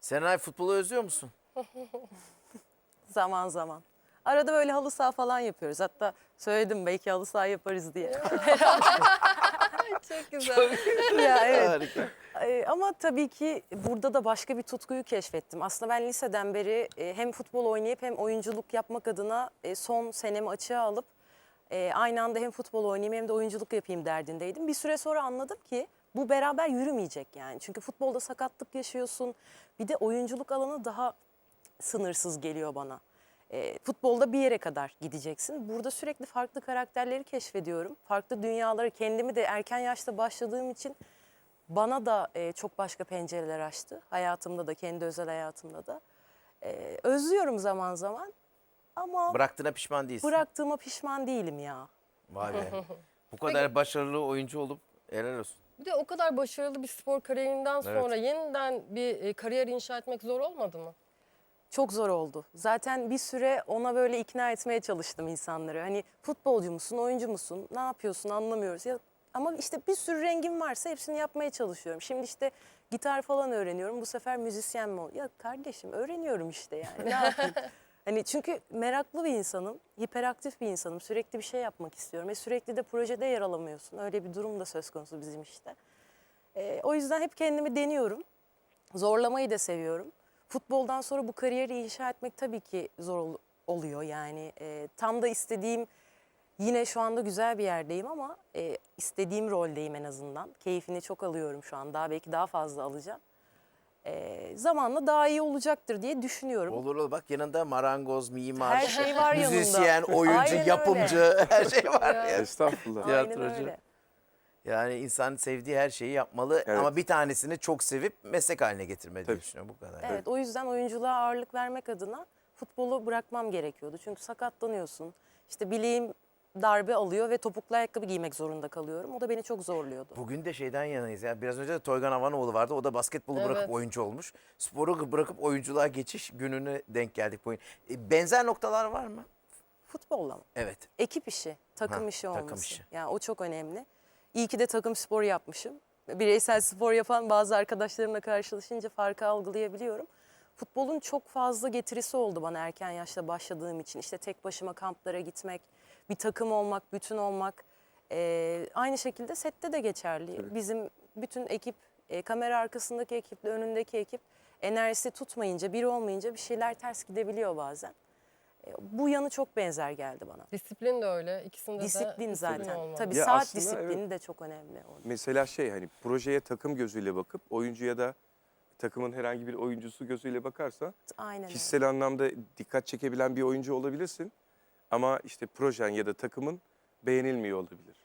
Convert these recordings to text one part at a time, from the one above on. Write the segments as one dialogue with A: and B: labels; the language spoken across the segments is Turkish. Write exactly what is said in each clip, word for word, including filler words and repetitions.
A: Serenay, futbolu özlüyor musun?
B: Zaman zaman. Arada böyle halı saha falan yapıyoruz. Hatta söyledim belki halı saha yaparız diye.
C: Çok güzel.
B: Ya evet.
A: Harika.
B: Ee, ama tabii ki burada da başka bir tutkuyu keşfettim. Aslında ben liseden beri e, hem futbol oynayıp hem oyunculuk yapmak adına e, son senemi açığa alıp e, aynı anda hem futbol oynayayım hem de oyunculuk yapayım derdindeydim. Bir süre sonra anladım ki bu beraber yürümeyecek yani. Çünkü futbolda sakatlık yaşıyorsun. Bir de oyunculuk alanı daha sınırsız geliyor bana. E, futbolda bir yere kadar gideceksin. Burada sürekli farklı karakterleri keşfediyorum. Farklı dünyaları, kendimi de erken yaşta başladığım için bana da e, çok başka pencereler açtı. Hayatımda da, kendi özel hayatımda da. E, özlüyorum zaman zaman ama
A: Bıraktığına pişman değilsin.
B: bıraktığıma pişman değilim ya.
A: Vay be. Bu kadar başarılı oyuncu olup helal olsun.
C: Bir de o kadar başarılı bir spor kariyerinden sonra yeniden bir e, kariyer inşa etmek zor olmadı mı?
B: Çok zor oldu. Zaten bir süre ona böyle ikna etmeye çalıştım insanları. Hani futbolcu musun, oyuncu musun, ne yapıyorsun anlamıyoruz. Ya, ama işte bir sürü rengim varsa hepsini yapmaya çalışıyorum. Şimdi işte gitar falan öğreniyorum. Bu sefer müzisyen mi ol? Ya kardeşim öğreniyorum işte yani. Ne yapayım? Hani çünkü meraklı bir insanım, hiperaktif bir insanım. Sürekli bir şey yapmak istiyorum ve sürekli de projede yer alamıyorsun. Öyle bir durum da söz konusu bizim işte. Ee, o yüzden hep kendimi deniyorum. Zorlamayı da seviyorum. Futboldan sonra bu kariyeri inşa etmek tabii ki zor ol- oluyor. Yani e, tam da istediğim, yine şu anda güzel bir yerdeyim ama e, istediğim roldeyim en azından. Keyfini çok alıyorum şu an. Daha belki daha fazla alacağım. E, zamanla daha iyi olacaktır diye düşünüyorum.
A: Olur olur, bak yanında marangoz, mimar,
B: Her şey var yanında.
A: müzisyen, oyuncu,
B: Aynen öyle.
A: yapımcı, her şey var ya.
D: Estağfurullah.
B: Aynen
A: tiyatrocu.
B: öyle.
A: Yani insan sevdiği her şeyi yapmalı
D: Evet.
A: ama bir tanesini çok sevip meslek haline getirmeli diye
D: Tabii.
A: düşünüyorum, bu kadar.
B: Evet, o yüzden oyunculuğa ağırlık vermek adına futbolu bırakmam gerekiyordu. Çünkü sakatlanıyorsun. İşte bileğim darbe alıyor ve topuklu ayakkabı giymek zorunda kalıyorum. O da beni çok zorluyordu.
A: Bugün de şeyden yanayız. Yani biraz önce de Toygan Havanoğlu vardı. O da basketbolu
C: Evet.
A: bırakıp oyuncu olmuş. Sporu bırakıp oyunculuğa geçiş gününe denk geldik bu oyun. E, benzer noktalar var mı?
B: Futbolla mı?
A: Evet.
B: Ekip işi, takım
A: Ha,
B: işi
A: takım
B: olması.
A: işi.
B: Yani o çok önemli. İyi ki de takım sporu yapmışım. Bireysel spor yapan bazı arkadaşlarımla karşılaşınca farkı algılayabiliyorum. Futbolun çok fazla getirisi oldu bana erken yaşta başladığım için. İşte tek başıma kamplara gitmek, bir takım olmak, bütün olmak. Ee, aynı şekilde sette de geçerli.
D: Tabii.
B: Bizim bütün ekip, e, kamera arkasındaki ekiple önündeki ekip enerjisi tutmayınca, bir olmayınca bir şeyler ters gidebiliyor bazen. E, bu yanı çok benzer geldi bana.
C: Disiplin de öyle. İkisinde de
B: Disiplin zaten.
C: olmalı.
B: Tabii
D: Ya
B: saat
D: aslında
B: disiplini
D: evet.
B: de çok önemli orada.
D: Mesela şey hani projeye takım gözüyle bakıp oyuncuya da takımın herhangi bir oyuncusu gözüyle bakarsan
B: Aynen öyle.
D: kişisel anlamda dikkat çekebilen bir oyuncu olabilirsin. Ama işte projen ya da takımın beğenilmiyor olabilir.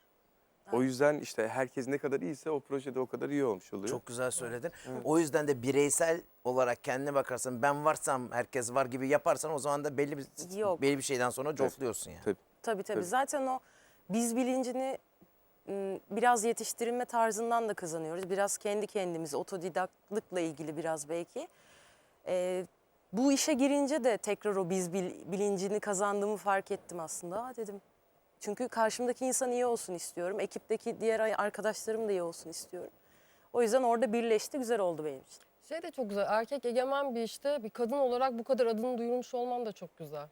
D: O yüzden işte herkes ne kadar iyiyse o projede o kadar iyi olmuş oluyor.
A: Çok güzel söyledin. O yüzden de bireysel olarak kendine bakarsın. Ben varsam herkes var gibi yaparsan o zaman da belli bir
B: Yok.
A: belli bir şeyden sonra cofluyorsun yani.
D: Tabii.
B: Tabii tabii.
D: Tabii.
B: Zaten o biz bilincini m, biraz yetiştirilme tarzından da kazanıyoruz. Biraz kendi kendimize, otodidaktlıkla ilgili biraz belki. Ee, bu işe girince de tekrar o biz bil- bilincini kazandığımı fark ettim aslında. Aa, dedim. Çünkü karşımdaki insan iyi olsun istiyorum. Ekipteki diğer arkadaşlarım da iyi olsun istiyorum. O yüzden orada birleşti, güzel oldu benim için.
C: Şey de çok güzel. Erkek egemen bir işte bir kadın olarak bu kadar adını duyurmuş olman da çok güzel.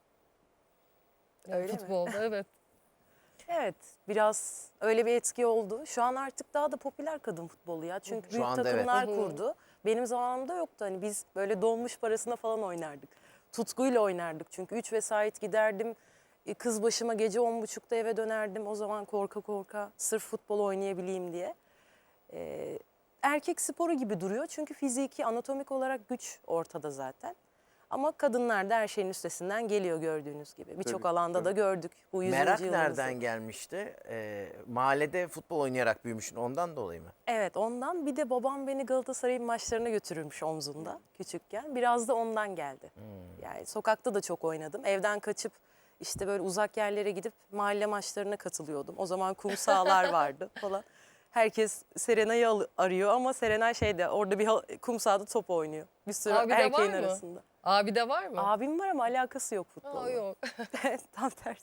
C: Yani
B: Öyle mi?
C: futbolda evet.
B: Evet, biraz öyle bir etki oldu. Şu an artık daha da popüler kadın futbolu ya. Çünkü
A: Şu
B: büyük
A: anda evet.
B: takımlar
C: Hı hı.
B: kurdu. Benim zamanımda yoktu. Hani biz böyle donmuş parasına falan oynardık. Tutkuyla oynardık. Çünkü üç vesait giderdim. E, Kız başıma gece on buçukta eve dönerdim. O zaman korka korka sırf futbol oynayabileyim diye. Ee, erkek sporu gibi duruyor. Çünkü fiziki, anatomik olarak güç ortada zaten. Ama kadınlar da her şeyin üstesinden geliyor gördüğünüz gibi. Birçok
D: Tabii,
B: alanda da
D: tabii.
B: gördük bu yüzüncü
A: Merak
B: yılımızda.
A: nereden gelmişti? Ee, mahallede futbol oynayarak büyümüşsün, ondan dolayı mı?
B: Evet, ondan. Bir de babam beni Galatasaray'ın maçlarına götürürmüş omzunda küçükken. Biraz da ondan geldi. Yani sokakta da çok oynadım. Evden kaçıp işte böyle uzak yerlere gidip mahalle maçlarına katılıyordum. O zaman kum sahalar vardı falan. Herkes Serenay'ı al- arıyor ama Serenay şeyde orada bir hal- kum sahada top oynuyor. Bir sürü
C: Abi de var
B: erkeğin
C: mı?
B: arasında.
C: Abi de var mı?
B: Abim var ama alakası yok futbolla.
C: Aa, yok.
B: Tam tersi.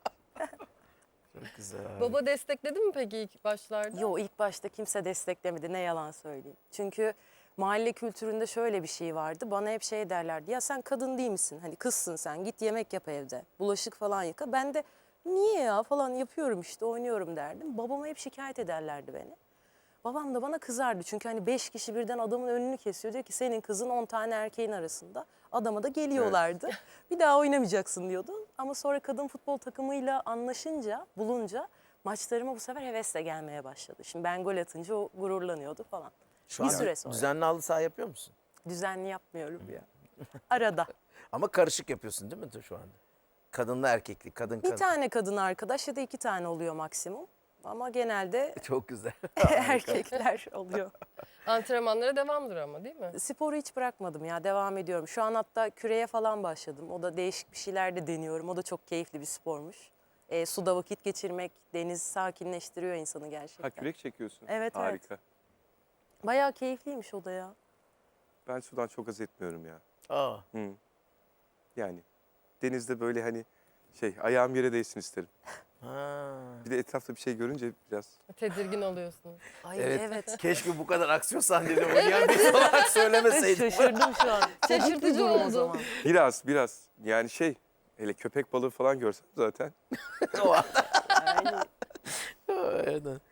A: Çok güzel.
C: Baba destekledi mi peki ilk başlarda?
B: Yo, ilk başta kimse desteklemedi, ne yalan söyleyeyim. Çünkü mahalle kültüründe şöyle bir şey vardı. Bana hep şey derlerdi. Ya sen kadın değil misin? Hani kızsın sen. Git yemek yap evde. Bulaşık falan yıka. Ben de niye ya falan yapıyorum işte oynuyorum derdim. Babama hep şikayet ederlerdi beni. Babam da bana kızardı. Çünkü hani beş kişi birden adamın önünü kesiyor. Diyor ki senin kızın on tane erkeğin arasında. Adama da geliyorlardı. Bir daha oynamayacaksın diyordu. Ama sonra kadın futbol takımıyla anlaşınca, bulunca maçlarıma bu sefer hevesle gelmeye başladı. Şimdi ben gol atınca o gururlanıyordu falan.
A: Şu
B: Bir
A: an
B: süre sonra.
A: düzenli halı saha yapıyor musun?
B: Düzenli yapmıyorum ya. Arada.
A: Ama karışık yapıyorsun değil mi şu anda? Kadınla erkekli, kadın
B: Bir
A: kadın.
B: tane kadın arkadaş ya da iki tane oluyor maksimum. Ama genelde
A: Çok güzel.
B: erkekler oluyor.
C: Antrenmanlara devamdır ama değil mi?
B: Sporu hiç bırakmadım ya, devam ediyorum. Şu an hatta küreye falan başladım. O da değişik bir şeyler de deniyorum. O da çok keyifli bir spormuş. E, suda vakit geçirmek, deniz sakinleştiriyor insanı gerçekten.
D: Ha kürek çekiyorsun.
B: Evet, evet.
D: Harika.
B: Bayağı keyifliymiş o da ya.
D: Ben sudan çok haz etmiyorum ya.
A: Aa,
D: Hı. Yani denizde böyle hani şey ayağım yere değsin isterim.
A: ha.
D: Bir de etrafta bir şey görünce biraz
C: Tedirgin oluyorsunuz.
B: Ay
A: Evet.
B: evet.
A: Keşke bu kadar aksiyon sahneleri oynayan birisi olarak söylemeseydim.
B: Şaşırdım şu an.
C: Şaşırtıcı
B: Komik bir durum o
C: oldu.
B: zaman.
D: biraz biraz yani şey hele köpek balığı falan görsem zaten
A: O an.
B: Yani
A: Aynen.